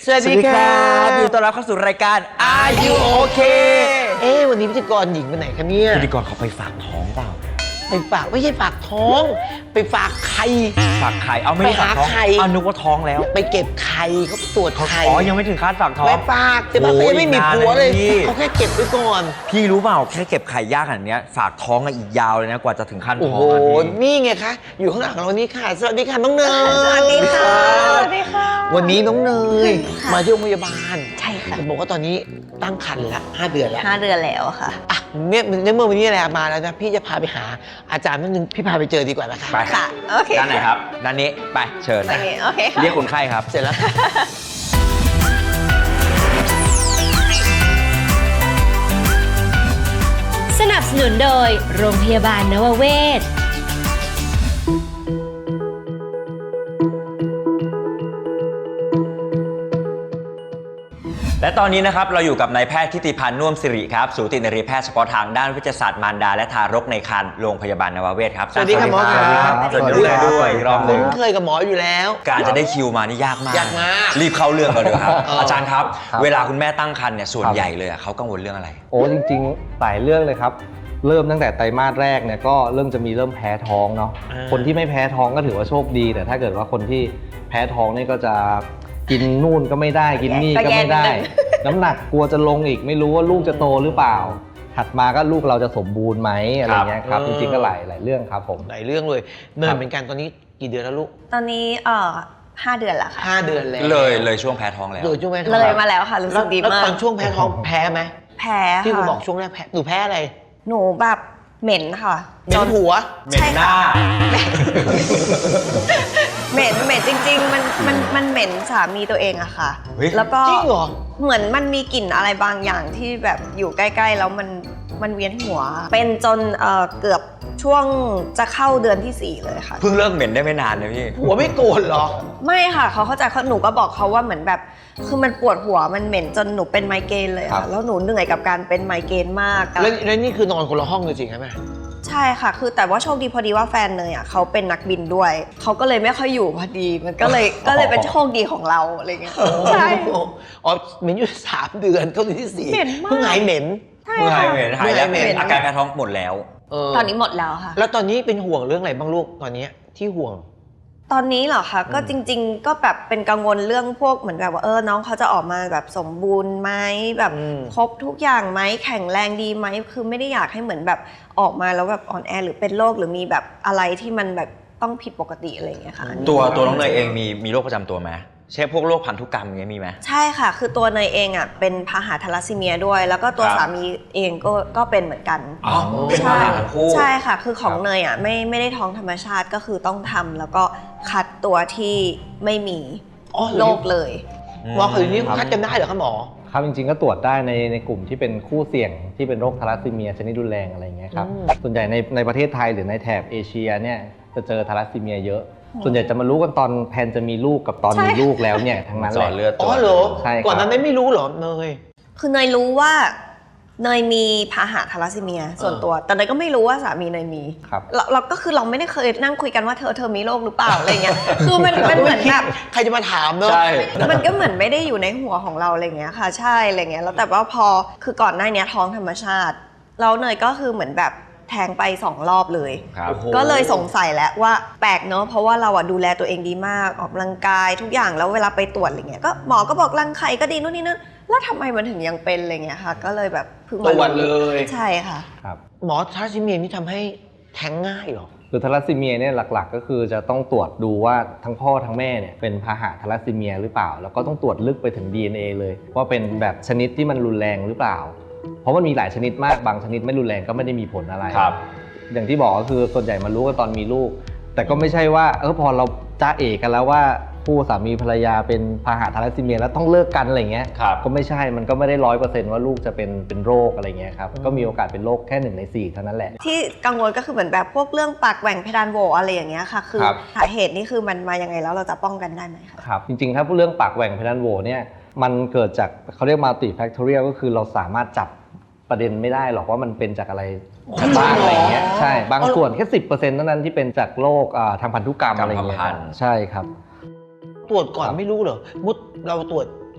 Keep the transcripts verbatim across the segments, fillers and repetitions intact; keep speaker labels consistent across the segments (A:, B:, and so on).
A: สวัสดีครับ
B: ยินดีต้อนรับเข้าสู่รายการ Are You Okay
A: เอ๊ะวันนี้พิธีกรหญิงไปไหนคะเนี่ย
B: พิธีกรเขาไปฝากท้องเปล่า
A: ไปฝากไม่ใช่ฝากท้องไปฝากไข่
B: ฝากไข่เอาไม่ได้ฝากท้องเอานึกว่าท้องแล้ว
A: ไปเก็บไข่เขาตรวจไข่
B: อ๋อยังไม่ถึงขั้นฝากท้อง
A: ไปฝากแต่ว่าเขายังไม่มีผัวเลยเขาแค่เก็บไว้ก่อน
B: พี่รู้เปล่าแค่เก็บไข่ยากขนาดนี้ฝากท้องอีกยาวเลยนะกว่าจะถึงขั้นท้อง
A: โอ้โหนี่ไงคะอยู่ข้างหลังเรานี่ค่ะสวัสดีค่ะน้องเนย
C: สวัสดีค่ะสวัสดีค่ะ
A: วันนี้น้องเนยมาที่โรงพยาบาล
C: ใช่ค่ะ
A: บอกว่าตอนนี้ตั้งครรภ์ละห้าเดือนแล้ว
C: ห้าเดือนแล้วค่ะ
A: อ่ะเนี่ยในเมื่อวันนี้อะไรมาแล้วนะพี่จะพาไปหาอาจารย์นิดนึงพี่พาไปเจอดีกว่านะคะ
B: ไป
C: ค่ะโอเค
B: ด้านไหนครับด้านนี้ไปเชิญ
C: โอเคโอเคค่ะ
B: เรียกคนไข้ครับ
A: เสร็จแล้ว
D: สนับสนุนโดยโรงพยาบาลนวเวศ
B: และตอนนี้นะครับเราอยู่กับนายแพทย์ทิติพันธ์น่วมสิริครับสูตินรีแพทย์เฉพาะทางด้านวิทยาศาสตร์มารดาและทารกในครรภ์โรงพยาบาลนวเวศครับ
A: สวัสดีครับหมอครับ
B: สวัสดีด้วยรอบหนึ่ง
A: เคยกับหมออยู่แล้ว
B: การจะได้คิวมานี่ยากมาก
A: ยากมาก
B: รีบเข้าเรื่องกันเลยครับอาจารย์ครับเวลาคุณแม่ตั้งครรภ์เนี่ยส่วนใหญ่เลยเขากังวลเรื่องอะไร
E: โอ้จริงๆหลายเรื่องเลยครับเริ่มตั้งแต่ไตรมาสแรกเนี่ยก็เริ่มจะมีเริ่มแพ้ท้องเนาะคนที่ไม่แพ้ท้องก็ถือว่าโชคดีแต่ถ้าเกิดว่าคนที่แพ้ท้องนี่ก็จะกินนู่นก็ไม่ได้กินนี่ก็ไม่ได้น้ำหนักกลัวจะลงอีกไม่รู้ว่าลูกจะโตหรือเปล่าถัดมาก็ลูกเราจะสมบูรณ์ไหมอะไรเงี้ยครับจริงๆก็หลายหลายเรื่องครับผม
A: หลายเรื่องเลยเนินเป็นการตอนนี้กี่เดือนแล้วลูก
C: ตอนนี้เอ่อห้าเดือนละค่ะ
A: ห้าเดือนแล้ว
B: เลยเลยช่วงแพ้ท้องแล้ว
A: เลยช่วงแพ้ท้อง
C: เลยมาแล้วค่ะรู้สึกดีมาก
A: แล้วตอนช่วงแพ้ท้องแพ้ไหม
C: แพ้ค่ะ
A: ที่คุณบอกช่วงแรกแพ้หนูแพ้อะไร
C: หนูแบบเหม็นค่ะ
A: เหม็นหัว
B: เหม็นหน้า
C: เหม็นเหม็นจริงๆมันมันมันเหม็นสามีตัวเองอะค่ะแล้วก็
A: จริงเหรอ
C: เหมือนมันมีกลิ่นอะไรบางอย่างที่แบบอยู่ใกล้ๆแล้วมันมันเวียนหัวเป็นจนเอ่อเกือบช่วงจะเข้าเดือนที่สี่เลยค่ะ
B: เพิ่งเลิกเหม็นได้ไม่นานเลยพี่
A: หัวไม่โกรธเหรอ
C: ไม่ค่ะเขาเข้าใจเขาหนูก็บอกเขาว่าเหมือนแบบคือมันปวดหัวมันเหม็นจนหนูเป็นไมเกรนเลยค่ะแล้วหนูเหนื่อยกับการเป็นไมเกรนมาก
A: แล้วแล้วนี่คือนอนคนละห้องจริงๆใช่ไหม
C: ใช่ค่ะคือแต่ว่าโชคดีพอดีว่าแฟนเนยอ่ะเขาเป็นนักบินด้วยเขาก็เลยไม่ค่อยอยู่พอดีมันก็เลยก็เลยเป็นโชคดีของเราอะไรเงี้ยใช่
A: อ๋อเหม็นอยู่สามเดือนเข้าเดือนที่สี่เพิ่งหายเหม็น
B: เพิ่งหายเหม็นหายแล้วอาการแพ้ท้องหมดแล้ว
C: ตอนนี้หมดแล้วค่ะ
A: แล้วตอนนี้เป็นห่วงเรื่องอะไรบ้างลูกตอนนี้ที่ห่วง
C: ตอนนี้เหรอคะก็จริงๆก็แบบเป็นกังวลเรื่องพวกเหมือนแบบว่าเออน้องเขาจะออกมาแบบสมบูรณ์ไหมแบบครบทุกอย่างไหมแข็งแรงดีไหมคือไม่ได้อยากให้เหมือนแบบออกมาแล้วแบบอ่อนแอหรือเป็นโรคหรือมีแบบอะไรที่มันแบบต้องผิดปกติอะไรอย่างเงี้ยค่ะ
B: ตัวตัวน้องเนยเองมีมีโรคประจำตัวไหมเช่นพวกโรคพันธุกรรมอย่างเงี้ยมีไหม
C: ใช่ค่ะคือตัวเนยเองอ่ะเป็นพาหะทาลัสซีเมียด้วยแล้วก็ตัวสามีเองก็ก็เป็นเหมือนกัน
B: อ๋อเป็นพาหะทั้งคู่
C: ใช่ค่ะคือของเนยอ่ะไม่ไม่ได้ท้องธรรมชาติก็คือต้องทำแล้วก็คัดตัวที่ไม่มีโรคเลย
A: หมอคือนี้คัดกันได้เหรอคะหมอ
E: ครับจริงๆก็ตรวจได้ในในกลุ่มที่เป็นคู่เสี่ยงที่เป็นโรคทาลัสซีเมียชนิดรุนแรงอะไรอย่างเงี้ยครับส่วนใหญ่ในในประเทศไทยหรือในแถบเอเชียเนี่ยจะเจอทาลัสซีเมียเยอะส่วนใหญ่จะมารู้กันตอนแพนจะมีลูกกับตอนมีลูกแล้วเนี่ยทั้งนั้นแหละ
A: อ๋อเหรอก่อนนั้นไม่รู้เหรอเนย
C: คือเนยรู้ว่าเนยมีพาหะทาลัสซีเมียส่วนตัวแต่เนยก็ไม่รู้ว่าสามีเนยมีเราเราก็คือเราไม่ได้เคยนั่งคุยกันว่าเธอเธอมีโรคหรือเปล่าอะไรเงี้ยคือมันมันเหมือนแบบ
A: ใครจะมาถามเนอะ
C: มันก็เหมือนไม่ได้อยู่ในหัวของเราอะไรเงี้ยค่ะใช่อะไรเงี้ยแล้วแต่ว่าพอคือก่อนหน้านี้ท้องธรรมชาติแล้วเนยก็คือเหมือนแบบแทงไปสองรอบเลยก็เลยสงสัยแล้วว่าแปลกเนอะเพราะว่าเราอะดูแลตัวเองดีมากออกกำลังกายทุกอย่างแล้วเวลาไปตรวจอะไรเงี้ยก็หมอก็บอกรังไข่ก็ดีนู่นนี่นั่นแล้วทำไมมันถึงยังเป็นอะไรเงี้ยค่ะก็เลยแบบ
A: เพิ่งมาวันเลย
C: ใช่ค่ะ
E: ครับ
A: หมอทาลัสซีเมียนี่ทำให้แท้งง่ายหรอ
E: คือทาลัสซีเมียเนี่ยหลักๆก็คือจะต้องตรวจดูว่าทั้งพ่อทั้งแม่เนี่ยเป็นพาหะทาลัสซีเมียหรือเปล่าแล้วก็ต้องตรวจลึกไปถึง ดี เอ็น เอ เลยว่าเป็นแบบชนิดที่มันรุนแรงหรือเปล่าเพราะมันมีหลายชนิดมากบางชนิดไม่รุนแรงก็ไม่ได้มีผลอะไร
B: ครับ
E: อย่างที่บอกก็คือส่วนใหญ่มารู้กันตอนมีลูกแต่ก็ไม่ใช่ว่าเออพอเราจ้าเอกกันแล้วว่าคู่สามีภรรยาเป็นพาหะทาลัสซีเมียแล้วต้องเลิกกันอะไรเงี้ยก็ไม่ใช่มันก็ไม่ได้ร้อยเปอร์เซ็นต์ว่าลูกจะเป็นเป็นโรคอะไรเงี้ยครับก็มีโอกาสเป็นโรคแค่หนึ่งในสี่เท่านั้นแหละ
C: ที่กังวลก็คือเหมือนแบบพวกเรื่องปากแหว่งเพดานโหวอะไรอย่างเงี้ยค่ะคือสาเหตุนี่คือมันมายังไงแล้วเราจะป้องกันได้ไหมคะ
E: ครับจริงๆถ้าพูดเรื่องปากแหว่งเพดานโหวเนี่ยมันเกิดจากเขาเรียก multifactorial ก็คือเราสามารถจับประเด็นไม่ได้หรอกว่ามันเป็นจากอะไรบ้างอะไรเงี้ยใช่บางส่วนแค่ สิบเปอร์เซ็นต์ เท่านั้นที่เป็นจากโรคทางพันธุกรรมอะไรเงี้ยใช่ครับ
A: ตรวจก่อนไม่รู้เหรอมุดเราตรวจต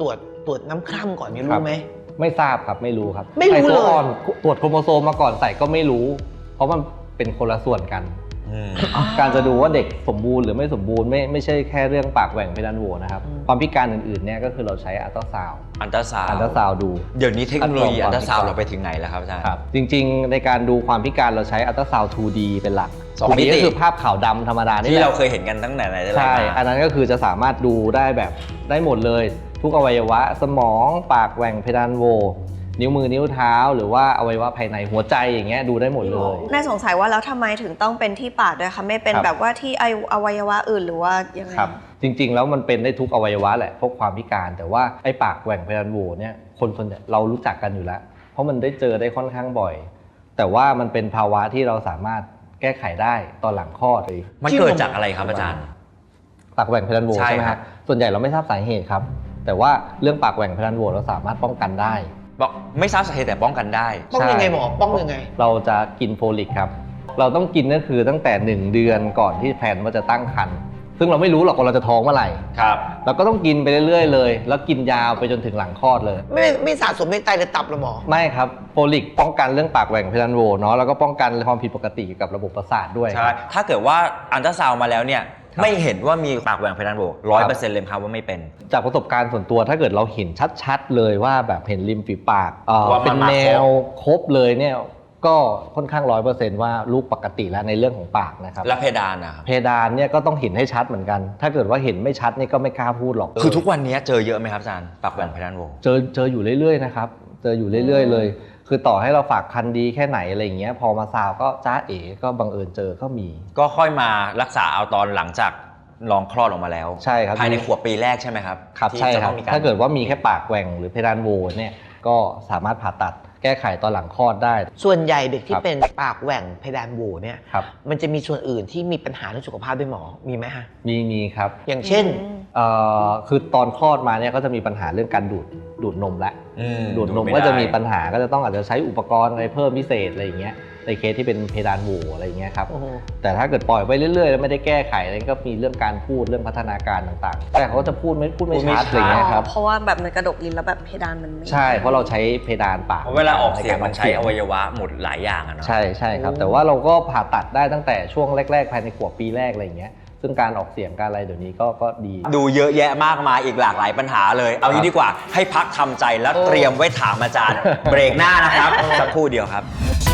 A: ตรวจตรวจน้ำคร่ำก่อนเนี่ย
E: ครั
A: รู้
E: บ
A: ไหม
E: ไม่ทราบครับไม่รู้ครับ
A: ไม่รู้
E: ใส่ตัว
A: เลย
E: อ่อนตรวจโครโมโซมมาก่อนใส่ก็ไม่รู้ เพราะมันเป็นคนละส่วนกัน
B: อืม
E: การจะดูว่าเด็กสมบูรณ์หรือไม่สมบูรณ์ไม่ไม่ใช่แค่เรื่องปากแหว่งเพดานโหวนะครับ
A: อืม
E: ความพิการอื่นๆเนี่ยก็คือเราใช้อัลตราซาวด์
B: อันตราซาว
E: อัลตราซาวด์ดู
B: เดี๋ยวนี้เทคโนโลยี
E: อั
B: อั
E: ล
B: น
E: ต
B: ต
E: รา
B: รา
E: ซา
B: ซาว ว
E: ด์
B: เราไปถึงไหนแล้วครับอาจารย์
E: ครับจริงๆในการดูความพิการเราใช้อัลตราซาวด์ ทู ดี เป็นหลัก
B: สอง
E: ทู ดี
B: มิติ
E: ก็คือภาพขาวดำธรรมดานี่
B: ที่
E: แห
B: เรา
E: ละ
B: เคยเห็นกันตั้งแต่ไหนแต่ไร
E: ใช่
B: มา
E: อันนั้นก็คือจะสามารถดูได้แบบได้หมดเลย ทุกอวัยวะสมองปากแหว่งเพดานโหวนิ้วมือนิ้วเท้า หรือว่าอวัยวะภายในหัวใจอย่างเงี้ยดูได้หมดเลย
C: น่าสงสัยว่าแล้วทำไมถึงต้องเป็นที่ปากด้วยคะไม่เป็น
E: ครับ
C: แบบว่าที่อวัยวะอื่นหรือว่ายังไง
E: ครับจริงๆแล้วมันเป็นได้ทุกอวัยวะแหละพวกความพิการแต่ว่าไอ้ปากแหว่งเพดานโหวเนี่ยคนส่วนใหญ่เรารู้จักกันอยู่แล้ว เพราะมันได้เจอได้ค่อนข้างบ่อย แต่ว่ามันเป็นภาวะที่เราสามารถแก้ไขได้ตอนหลังคลอดเลย
B: มันเกิดจากอะไรครับอาจารย์
E: ปากแหว่งเพดานโหว
B: ใช่
E: ใช่ไหม
B: ค
E: ค
B: รั
E: รับ บส่วนใหญ่เราไม่ทราบสาเหตุครับแต่ว่าเรื่องปากแหว่งเพดานโหวเราสามารถป้องกันได้
B: บอกไม่ทราบสาเหตุแต่ป้องกันได้
A: ป้องยังไงหมอป้องยังไง
E: เราจะกินโฟลิกครับเราต้องกินก็คือตั้งแต่หนึ่งเดือนก่อนที่แพลนว่าจะตั้งครรภ์ซึ่งเราไม่รู้หรอกว่าเราจะท้องเมื่อไหร่
B: ครับ
E: เราก็ต้องกินไปเรื่อยๆเลยแล้วกินยาวไปจนถึงหลังคลอดเลย
A: ไม่ไม่สะสมในไตหรือตับหรอหมอ
E: ไม่ครับโฟลิกป้องกันเรื่องปากแหว่งเพดานโหวเนาะแล้วก็ป้องกันความผิดปกติเกี่ยวกับระบบประสาทด้วย
B: ใช่ ถ้าเกิดว่าอันตราซาวมาแล้วเนี่ย
E: ครับ
B: ไม่เห็นว่ามีปากแหว่งเพดานโหวร้อยเปอร์เซ็นต์เลยครับว่าไม่เป็น
E: จากประสบการณ์ส่วนตัวถ้าเกิดเราเห็นชัดๆเลยว่าแบบเห็นริมฝีปากเอ่อ
B: ว่ามัน
E: เป็น
B: มา
E: แน
B: ครบ
E: วครบเลยเนี่ยก็ค่อนข้างร้อยเปอร์เซ็นต์ว่าลูกปกติแล้วในเรื่องของปากนะครับ
B: และเพดานนะครับ
E: เพดานเนี่ยก็ต้องเห็นให้ชัดเหมือนกัน ถ้าเกิดว่าเห็นไม่ชัดนี่ก็ไม่กล้าพูดหรอก
B: คือทุกวันนี้เจอเยอะไหมครับอาจารย์ปากแหว่งเพดานโหว
E: เจอเจออยู่เรื่อยๆนะครับเจออยู่เรื่อยๆเลย คือต่อให้เราฝากคันดีแค่ไหนอะไรอย่างเงี้ยพอมาซาวก็จ้าเอ๋ก็บังเอิญเจอก็มี
B: ก็ค่อยมารักษาเอาตอนหลังจากลองคลอดออกมาแล้ว
E: ใช่ครับ
B: ภายในขวบปีแรกใช่ไหมครับ
E: ครับ
B: ที่
E: ใช่
B: จะ
E: ครั
B: ต้
E: บ
B: องมี
E: ถ้าเกิดว่ามีแค่ปากแหว่งหรือเพดานโหวเนี่ยก็สามารถผ่าตัดแก้ไขตอนหลังคลอดได้
A: ส่วนใหญ่เด็กที่
E: ครับ
A: เป็นปากแหว่งเพดานโหวเนี่ย
E: ครับ
A: มันจะมีส่วนอื่นที่มีปัญหาเรื่องสุขภาพด้วยหมอมีไหมฮะ
E: มีมีครับ
A: อย่างเช่น
E: เอ่อคือตอนคลอดมาเนี่ยก็จะมีปัญหาเรื่องการดูดดูดนมแล้ว
B: อืม
E: ดูดนม
B: ไไ
E: ก็จะมีปัญหาก็จะต้องอาจจะใช้อุปกรณ์อะไรเพิ่มพิเศษอะไรอย่างเงี้ยในเคสที่เป็นเพดานโหวอะไรอย่างเงี้ยครับ
A: โอ้โห
E: แต่ถ้าเกิดปล่อยไปเรื่อยๆแล้วไม่ได้แก้ไขอะไรก็มีเรื่องการพูดเรื่องพัฒนาการต่างๆ แต่เขาก็จะพูดไม่พูดไม่
B: พูดไม่
E: ชัด
B: ชัด
E: อะไรเงี้ยครับ
C: เพราะว่าแบบมันกระดกลิ้นแล้วแบบเพดานมันไม่
E: ใช่เพราะเราใช้เพดานปาก
B: เพราะเวลาออกเสียงมันใช้
E: ใการ
B: อวัยวะหมดหลายอย่างอะเนาะ
E: ใช่ใช่ครับ แต่ว่าเราก็ผ่าตัดได้ตั้งแต่ช่วงแรกๆภายในขวบปีแรกอะไรอย่างเงี้ยซึ่งการออกเสียงการอะไรเดี๋ยวนี้ก็ก็ดี
B: ดูเยอะแยะมากมายอีกหลากหลายปัญหาเลย เอางี้ดีกว่าให้พักทำใจแล้วเตรียมไว้ถามอาจารย์ เบรกหน้านะครับสักครู่เดียวครับ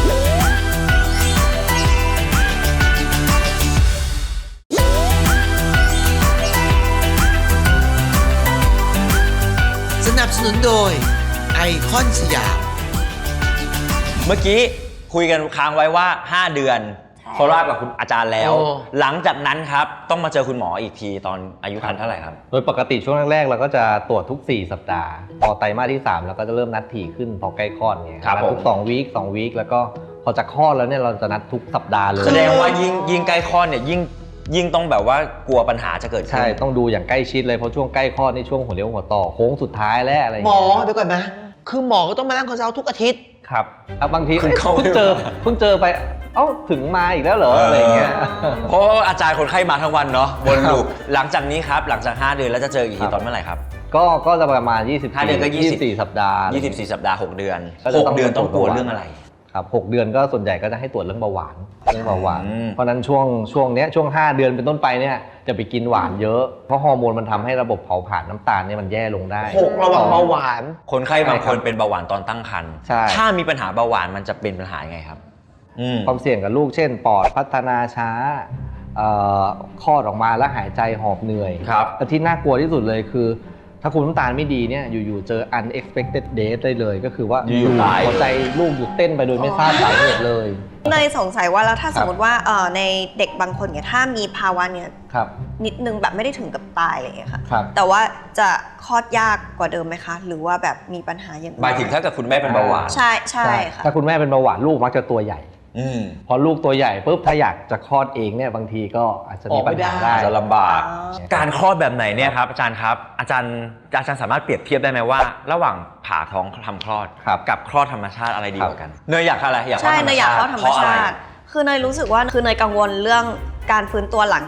A: สนับสนุนโดยไอคอนสยาม
B: เมื่อกี้คุยกันค้างไว้ว่า ห้า เดือน
C: ใช่
B: โคราชกับคุณอาจารย์แล้ว
A: โอ้
B: หลังจากนั้นครับต้องมาเจอคุณหมออีกทีตอนอายุครรภ์เท่าไหร่ครับ
E: โดยปกติช่วงแรกๆเราก็จะตรวจทุกสี่สัปดาห์พอไตรมาสที่สามเราก็จะเริ่มนัดถี่ขึ้นพอใกล้คลอดเนี่ย
B: ครับ
E: นัดทุก
B: ผม
E: สองวีคสองวีคแล้วก็พอจะคลอดแล้วเนี่ยเราจะนัดทุกสัปดาห์เลย
B: แสดงว่ายิ่งยิ่งใกล้คลอดเนี่ยยิ่งยิ่งต้องแบบว่ากลัวปัญหาจะเกิดขึ้น
E: ใช่ต้องดูอย่างใกล้ชิดเลยเพราะช่วงใกล้คลอดนี่ช่วงหัวเลี้ยวหัวต่อโค้งสุดท้ายแล้วอะไรอย่าง
A: หมอ
E: เงี้ย
A: เดี๋ยวก่อนนะ คือหมอก็ต้องมานั่งคอนซัลท์ทุกอาทิตย์
E: ครับอ่ะบางที
B: คุณเข้า
E: เพิ่งเจอเพิ่งเจอไปเอ้าถึงมาอีกแล้วเหรออะไรอย่างเงี้ย
B: เพราะว่าอาจารย์คนไข้มาทั้งวันเนาะวนลูปหลังจากนี้ครับหลังจากห้าเดือนแล้วจะเจออีกที
E: ครับ
B: ตอนเมื่อไหร่ครับ
E: ก็ก็จะประมาณยี่สิบ
B: ห้าเดือนก็ยี่สิบ
E: สี่สัปดาห์
B: ยี่สิบสี่สัปดาห์หกเดือน
E: ก็จะ
B: หก
E: ต้อง
B: เดือนต้องกลัว
E: ตรวจ
B: เรื่องอะไร
E: ครับหกเดือนก็ส่วนใหญ่ก็จะให้ตรวจเรื่องเบาหวานเรื่องเบาหวาน
B: อืม
E: เพราะฉะนั้นช่วงช่วงเนี้ยช่วงห้าเดือนเป็นต้นไปเนี่ยจะไปกินหวานเยอะเพราะฮอร์โมนมันทำให้ระบบเผาผลาญน้ำตาลเนี่ยมันแย่ลงได้
A: หกระวังเบาหวาน
B: คนไข้บางคน
E: ใช่ครับ
B: เป็นเบาหวานตอนตั้งครรภ์
E: ใช่
B: ถ้ามีปัญหาเบาหวานมันจะเป็นปัญหายังไงครับอืม
E: ความเสี่ยงกับลูกเช่น ปอดพัฒนาช้าเอ่อคลอดออกมาแล้วหายใจหอบเหนื่อย
B: ครับ
E: แต่ที่น่ากลัวที่สุดเลยคือ ถ้าคุณน้ำตาลไม่ดีเนี่ยอยู่ๆเจอ unexpected death ได้เลยก็คือว่า
B: อยู่ๆตาย
E: หัวใจลูกหยุดเต้นไปโดยไม่ทราบสาเหตุเลย
C: เนยสงสัยว่าแล้วถ้า
E: ครับ
C: สมมติว่าเอ่อในเด็กบางคนเนี่ยถ้ามีภาวะเนี่ย
E: ครับ
C: นิดนึงแบบไม่ได้ถึงกับตายอะไรอย่างเงี้ยค่ะ
E: ครับ
C: แต่ว่าจะคลอดยากกว่าเดิมไหมคะ หรือว่าแบบมีปัญหาอย่างอื่น
B: หมายถึงถ้าเกิดคุณแม่เป็นเบาหวาน
C: ใช่ใช่ค่ะ
E: ถ้าคุณแม่เป็นเบาหวานลูกมักจะตัวใหญ่
B: อืม
E: พอลูกตัวใหญ่ปุ๊บถ้าอยากจะคลอดเองเนี่ยบางทีก็อาจจะมีปัญหา
A: ออกไม่ได้
E: ได้
B: จะลำบาก
C: อ๋อ
B: การคลอดแบบไหนเนี่ยครับอาจารย์ครับอาจารย์อาจารย์สามารถเปรียบเทียบได้ไหมว่า ระหว่างผ่าท้องทำคลอด
E: ครับ
B: กับคลอดธรรมชาติอะไรดีกว่ากันเนยอยากอะไรอยากคลอ
C: ใช่
B: ดธรรม
C: เนยอยาก
B: ชา
C: เข้า
B: ติ
C: ธรร
B: เพ
C: ม
B: ราะอะไร
C: ชาติ คือเนยรู้สึกว่าคือเนยกังวลเรื่องการฟื้นตัวหลังจาก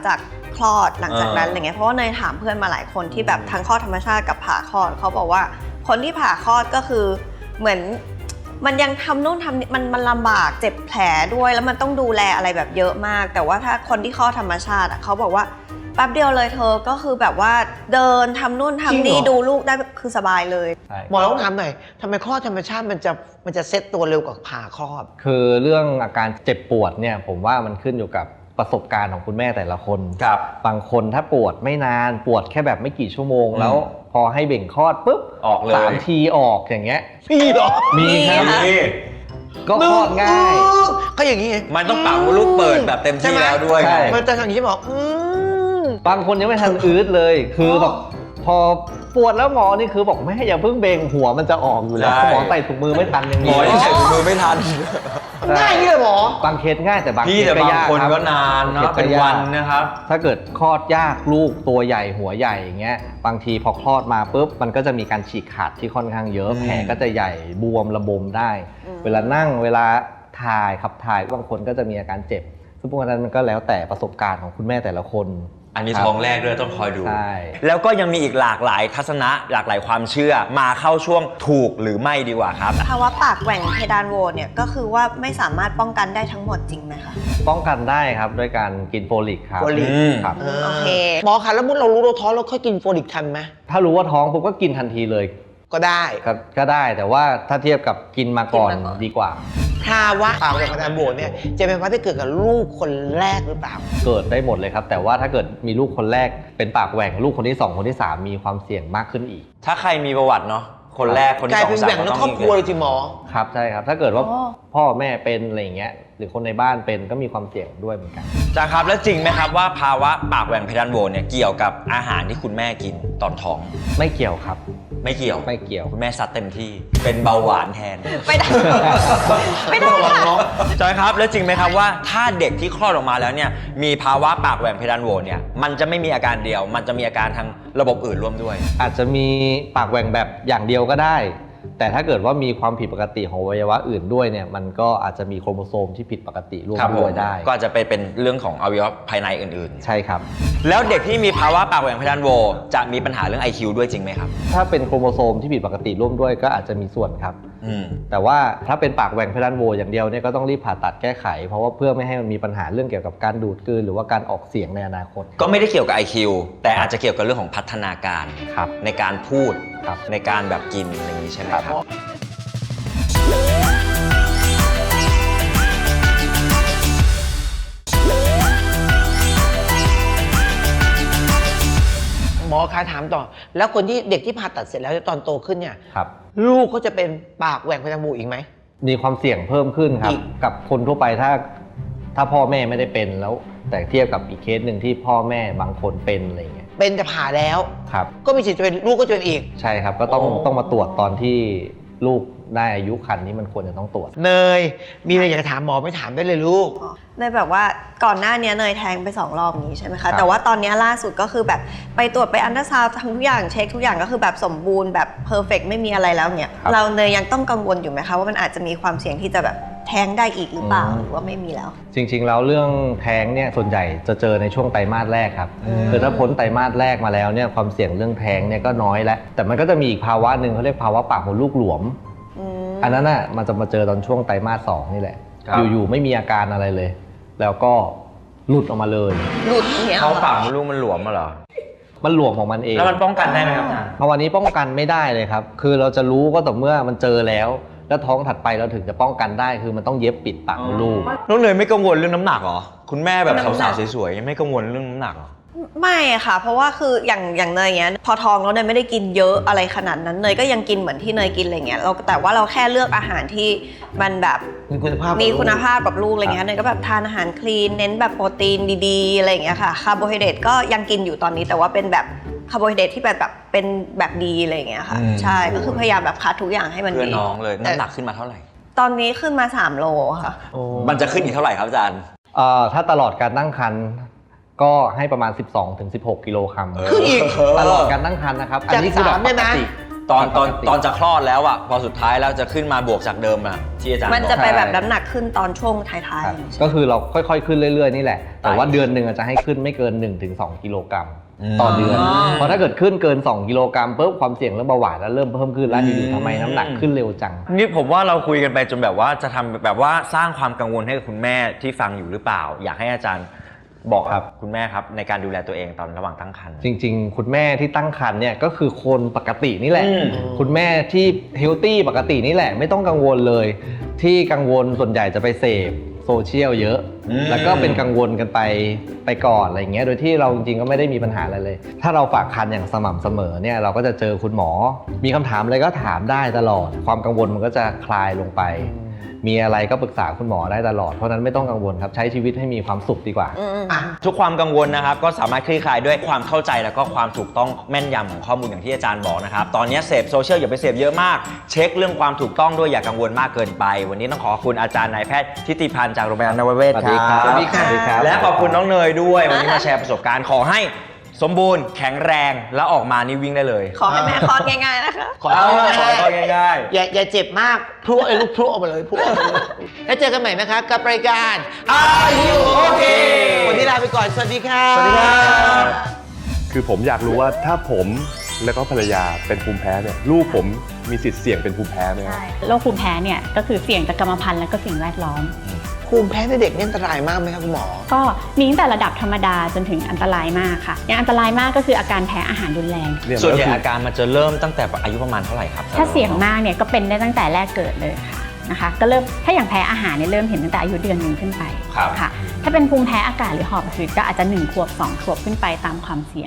C: คลอดหลังจากนั้นอะไรเงี้ยเพราะว่าเนยถามเพื่อนมาหลายคนที่แบบทั้งคลอดธรรมชาติกับผ่าคลอดเขาบอกว่าคนที่ผ่าคลอดก็คือเหมือนมันยังทำนู่นทำนี่มันมันลำบากเจ็บแผลด้วยแล้วมันต้องดูแลอะไรแบบเยอะมากแต่ว่าถ้าคนที่คลอดธรรมชาติอะเขาบอกว่าแป๊บเดียวเลยเธอก็คือแบบว่าเดินทำนู่นทำนี่ดูลูกได้คือสบายเลย
A: หมอต้องถามหน่อยทำไมคลอดธรรมชาติมันจะมันจะเซ็ตตัวเร็วกว่าผ่าคลอด
E: คือเรื่องอาการเจ็บปวดเนี่ยผมว่ามันขึ้นอยู่กับประสบการณ์ของคุณแม่แต่ละคน
B: ครับ
E: บางคนถ้าปวดไม่นานปวดแค่แบบไม่กี่ชั่วโมงแล้วพอให้เบ่งคลอดปุ๊บ
B: ออกเลย
E: สามทีออกอย่างเงี้ย
A: พี่หรอ
E: มีครับก็คลอดง่าย
A: ก็อย่างนี้
B: มันต้องปากมดลูกเปิดแบบเต็มที่แล้วด้วย
A: มันจะอย่างนี้บอก
E: บางคนยังไม่ทันอืดเลยคือแบบพอปวดแล้วหมอนี่คือบอกแม่อย่าเพิ่งเบ่งหัวมันจะออกอยู่แล้วหมอใส่ถุงมือไม่ทันอย่างนี้
B: หมอยังใส่ถุงมือไม่ทัน
A: ง่ายนี่เลยหมอบ
E: างเคสง่ายแต่บางเคส
B: ก็ยากคนก็นานเนาะเป็นวันนะครับ
E: ถ้าเกิดคลอดยากลูกตัวใหญ่หัวใหญ่อย่างเงี้ยบางทีพอคลอดมาปุ๊บมันก็จะมีการฉีกขาดที่ค่อนข้างเยอะแผลก็จะใหญ่บวมระบมได้เวลานั่งเวลาถ่ายขับถ่ายบางคนก็จะมีอาการเจ็บซึ่งพวกนั้นมันก็แล้วแต่ประสบการณ์ของคุณแม่แต่ละคน
B: อันนี้ท้องแรกด้วยต้องคอยดูแล้วก็ยังมีอีกหลากหลายทัศนะหลากหลายความเชื่อมาเข้าช่วงถูกหรือไม่ดีกว่าครับ
C: ภาวะปากแหว่งเพดานโหวเนี่ยก็คือว่าไม่สามารถป้องกันได้ทั้งหมดจริงไหมคะ
E: ป้องกันได้ครับด้วยการกินโฟลิกครับ
A: โฟลิก
E: ครับ
C: โอเค
A: หมอคะแล้วมุดเรารู้เราท้องเราค่อยกินโฟลิกทันไหม
E: ถ้ารู้ว่าท้องผมก็กินทันทีเลย
A: ก็ได้
E: ก็ได้แต่ว่าถ้าเทียบกับกินมาก่อนดีกว่า
A: ภาวะปากแหว่งเพดานโหวเนี่ยจะเป็นภาวะที่เกิดกับลูกคนแรกหรือเปล่า
E: เกิดได้หมดเลยครับแต่ว่าถ้าเกิดมีลูกคนแรกเป็นปากแหว่งลูกคนที่สองคนที่สามมีความเสี่ยงมากขึ้นอีก
B: ถ้าใครมีประวัติเนาะคนแรกคนที่สอง
A: กลายเป็นแหว่งทั้งครอบครัวเลยทีหมอ
E: ครับใช่ครับถ้าเกิดว่าพ่อแม่เป็นอะไรอย่างเงี้ยหรือคนในบ้านเป็นก็มีความเสี่ยงด้วยเหมือนกัน
B: จ้าครับแล้วจริงไหมครับว่าภาวะปากแหว่งเพดานโหวเนี่ยเกี่ยวกับอาหารที่คุณแม่กินตอนท้อง
E: ไม่เกี่ยวครับ
B: ไม่เกี่ยว
E: ไม่เกี่ยว
B: คุณแม่ซัดเต็มที่เป็นเบาหวานแทน
C: ไม่ได้ไม่ได้ค่ะ
B: จอยครับแล้วจริงไหมครับว่าถ้าเด็กที่คลอดออกมาแล้วเนี่ยมีภาวะปากแหว่งเพดานโหวเนี่ยมันจะไม่มีอาการเดียวมันจะมีอาการทางระบบอื่นร่วมด้วย
E: อาจจะมีปากแหว่งแบบอย่างเดียวก็ได้แต่ถ้าเกิดว่ามีความผิดปกติของอวัยวะอื่นด้วยเนี่ยมันก็อาจจะมีโครโมโซมที่ผิดปกติร่วมด้วยได้
B: ก็จะไปเป็นเรื่องของอวัยวะภายในอื่น
E: ๆใช่ครับ
B: แล้วเด็กที่มีภาวะปากแหว่งเพดานโหวจะมีปัญหาเรื่อง ไอ คิว ด้วยจริงไหมครับ
E: ถ้าเป็นโครโมโซมที่ผิดปกติร่วมด้วยก็อาจจะมีส่วนครับแต่ว่าถ้าเป็นปากแหว่งเพดานโหวอย่างเดียวเนี่ยก็ต้องรีบผ่าตัดแก้ไขเพราะว่าเพื่อไม่ให้มันมีปัญหาเรื่องเกี่ยวกับการดูดกลืนหรือว่าการออกเสียงในอนาคต
B: ก็ไม่ได้เกี่ยวกับ ไอ คิว แต่อาจจะเกี่ยวกับเรื่องของพัฒนาการในการพูดในการแบบกินอย่างนี้ใช่ไหมครับ
A: หมอคะถามต่อแล้วคนที่เด็กที่ผ่าตัดเสร็จแล้วตอนโตขึ้นเนี่ย
E: ครับ
A: ลูกก็จะเป็นปากแหว่งเพดานโหวอีกไหม
E: มีความเสี่ยงเพิ่มขึ้นครับกับคนทั่วไปถ้าถ้าพ่อแม่ไม่ได้เป็นแล้วแต่เทียบกับอีกเคสหนึ่งที่พ่อแม่บางคนเป็นอะไรเงี้ย
A: เป็นจะผ่าแล้ว
E: ครับ
A: ก็มีสิทธิ์จะเป็นลูกก็จะเป็นอีก
E: ใช่ครับก็ต้องต้องมาตรวจตอนที่ลูกได้อายุครรภ์ที่มันควรจะต้องตรวจ
A: เนยมีอะไรอยากจะถามหมอไม่ถามได้เลยลูก
C: เนยแบบว่าก่อนหน้านี้เนยแทงไปสองรอบนี้ใช่ไหมคะแต่ว่าตอนนี้ล่าสุดก็คือแบบไปตรวจไปอัลตราซาวด์ทำทุกอย่างเช็คทุกอย่างก็คือแบบสมบูรณ์แบบเพอร์เฟกต์ไม่มีอะไรแล้วเนี่ยเราเนยยังต้องกังวลอยู่ไหมคะว่ามันอาจจะมีความเสี่ยงที่จะแบบแท้งได้อีกหรือเปล่าหรือว่าไม่มีแล้ว
E: จริงๆแล้วเรื่องแท้งเนี่ยส่วนใหญ่จะเจอในช่วงไตรมาสแรกครับคือถ้าพ้นไตรมาสแรกมาแล้วเนี่ยความเสี่ยงเรื่องแท้งเนี่ยก็น้อยแล้วแต่มันก็จะมีอีกภาวะหนึ่งเขาเรียกภาวะปากมดลูกหลวมอันนั้นน่ะมันจะมาเจอตอนช่วงไตรมาสสองนี่แหละอยู่ๆไม่มีอาการอะไรเลยแล้วก็หลุดออกมาเลย
C: หลุดเนี่ย
B: เขาปากมดลูกมันหลวมมาเหรอ
E: มันหลวมของมันเอง
B: แล้วมันป้องกันได้ไหมครับ
E: มาวันนี้ป้องกันไม่ได้เลยครับคือเราจะรู้ก็ต่อเมื่อมันเจอแล้วแล้วท้องถัดไปเราถึงจะป้องกันได้คือมันต้องเย็บปิดปากมดลูก
B: น้องเนยไม่กังวลเรื่องน้ำหนักเหรอคุณแม่แบบสาวๆสวยๆไม่กังวลเรื่องน้ำหนักหรอ
C: ไม่ค่ะเพราะว่าคืออย่างอย่างเนยเงี้ยพอท้องแล้วเนยไม่ได้กินเยอะอะไรขนาดนั้นเนยก็ยังกินเหมือนที่เนยกินอะไรเงี้ยเราแต่ว่าเราแค่เลือกอาหารที่มันแบบ
A: มีคุณภาพ
C: มีคุณภาพกับลูกอะไรเงี้ยเนยก็แบบทานอาหารคลีนเน้นแบบโปรตีนดีๆอะไรเงี้ยค่ะคาร์โบไฮเดรตก็ยังกินอยู่ตอนนี้แต่ว่าเป็นแบบคาร์โบไฮเดรตที่แบบแบบเป็นแบบดีอะไรเงี้ยค่ะใช่ก็คือพยายามแบบคัดทุกอย่างให้มันดี
B: เพื่อน้องเลยน้ำหนักขึ้นมาเท่าไหร่
C: ตอนนี้ขึ้นมาสามโลค่ะ
B: มันจะขึ้นอีกเท่าไหร่ครับอาจารย์
E: ถ้าตลอดการตั้งครรภ์ก็ให้ประมาณ สิบสองถึงสิบหก กิโลกรัม
A: คืออีก
E: ตลอดการตั้งครรภ์นะครับอันนี้คือแบบปกติ
B: ตอนตอน
E: ปกติ
B: ตอนจะคลอดแล้วอ่ะพอสุดท้ายแล้วจะขึ้นมาบวกจากเดิมอ่ะที่อาจารย์
C: มัน
B: บ
C: จะ
B: อก
C: ไปแบบน้ำหนักขึ้นตอนช่วงท้าย
E: ครับ
C: ๆ
E: ก็คือเราค่อยๆขึ้นเรื่อยๆนี่แหละ แต่ว่า
B: ไป
E: เดือนหนึ่งอาจจะให้ขึ้นไม่เกิน หนึ่งถึงสอง กิโลกรัม
B: อืม
E: ต่อเดือน
C: อ๋อ
E: เพราะถ้าเกิดขึ้นเกิน สอง กิโลกรัมปุ๊บความเสี่ยงเรื่องเบาหวานแล้วเริ่มเพิ่มขึ้นแล้วอยู่ๆทำไมน้ำหนักขึ้นเร็วจัง
B: นี่ผมว่าเราคุยกันไปจนแบบว่าจะทำแบบว่าสร้างความกังวลให้กับคุณแม่ที่ฟังอยู่หรือเปล่า อยากให้อาจารย์บอก
E: ครับ
B: คุณแม่ครับในการดูแลตัวเองตอนระหว่างตั้งครรภ์
E: จริงๆ คุณแม่ที่ตั้งครรภ์เนี่ยก็คือคนปกตินี่แหละ
B: อืม
E: คุณแม่ที่เฮลตี้ปกตินี่แหละไม่ต้องกังวลเลย ที่กังวลส่วนใหญ่จะไปเสพโซเชียลเยอะ แล้วก็เป็นกังวลกันไปไปก่อนอะไรอย่างเงี้ยโดยที่เราจริงๆก็ไม่ได้มีปัญหาอะไรเลย ถ้าเราฝากครรภ์อย่างสม่ำเสมอเนี่ยเราก็จะเจอคุณหมอ มีคำถามอะไรก็ถามได้ตลอด ความกังวลมันก็จะคลายลงไป มีอะไรก็ปรึกษาคุณหมอได้ตลอดเพราะฉะนั้นไม่ต้องกังวลครับใช้ชีวิตให้มีความสุขดีกว่า
C: อืม
B: อ่ะทุกความกังวลนะครับก็สามารถคลี่คลายด้วยความเข้าใจแล้วก็ความถูกต้องแม่นยำของข้อมูลอย่างที่อาจารย์บอกนะครับตอนนี้เสพโซเชียลอย่าไปเสพเยอะมากเช็คเรื่องความถูกต้องด้วยอย่ากังวลมากเกินไป วันนี้ต้องขอบคุณอาจารย์นายแพทย์ทิติพันธ์จากโรงพยาบาลนวเวศ
E: สวัสดีครับ
B: สวัสดี
E: สวัสดีครับ
B: และขอบคุณน้องเนยด้วยวันนี้มาแชร์ประสบการณ์ขอให้สมบูรณ์แข็งแรงแล้วออกมานี่วิ่งได้เลย
C: ขอให้แม่คลอดง่ายๆนะคะ
A: ขอ
B: เอา
A: โทษ
B: ขอ
A: นะ
B: ของ่าย
A: อย่าอย่าเจ็บมากพลุไอ้ลูกพลุออกมาเลยพลุออกมาเลยแล้วเจอกันใหม่นะคะกับรายการ
B: Are You Okay
A: วันนี้ลาไปก่อนสวัสดีค่ะ
B: ๆสวัสดีครับ
F: คือผมอยากรู้ว่าถ้าผมแล้วก็ภรรยาเป็นภูมิแพ้เนี่ยลูกผมมีสิทธิ์เสี่ยงเป็นภูมิแพ้ไหมครับ
G: ใช่โรคภูมิแพ้เนี่ยก็คือเสี่ยงจากกรรมพันธุ์และก็สิ่งแวดล้อม
A: ภูมิแพ้ในเด็กนี่อันตรายมากไหมครับคุณหมอ
G: ก็มีตั้งแต่ระดับธรรมดาจนถึงอันตรายมากค่ะอย่างอันตรายมากก็คืออาการแพ้อาหารรุนแรง
F: เนี่ย
B: ส่วนใหญ่
F: ก็คือ
B: อาการมันจะเริ่มตั้งแต่อายุประมาณเท่าไหร่ครับ
G: ถ้าเสี่ยงมากเนี่ยก็เป็นได้ตั้งแต่แรกเกิดเลยค่ะนะคะก็เริ่มถ้าอย่างแพ้อาหารเนี่ยเริ่มเห็นตั้งแต่อายุเดือนหนึ่งขึ้นไป
B: ครับ
G: ค่ะถ้าเป็นภูมิแพ้อากาศหรือหอบหืดก็อาจจะหนึ่งขวบสองขวบขึ้นไปตามความเสี่ยง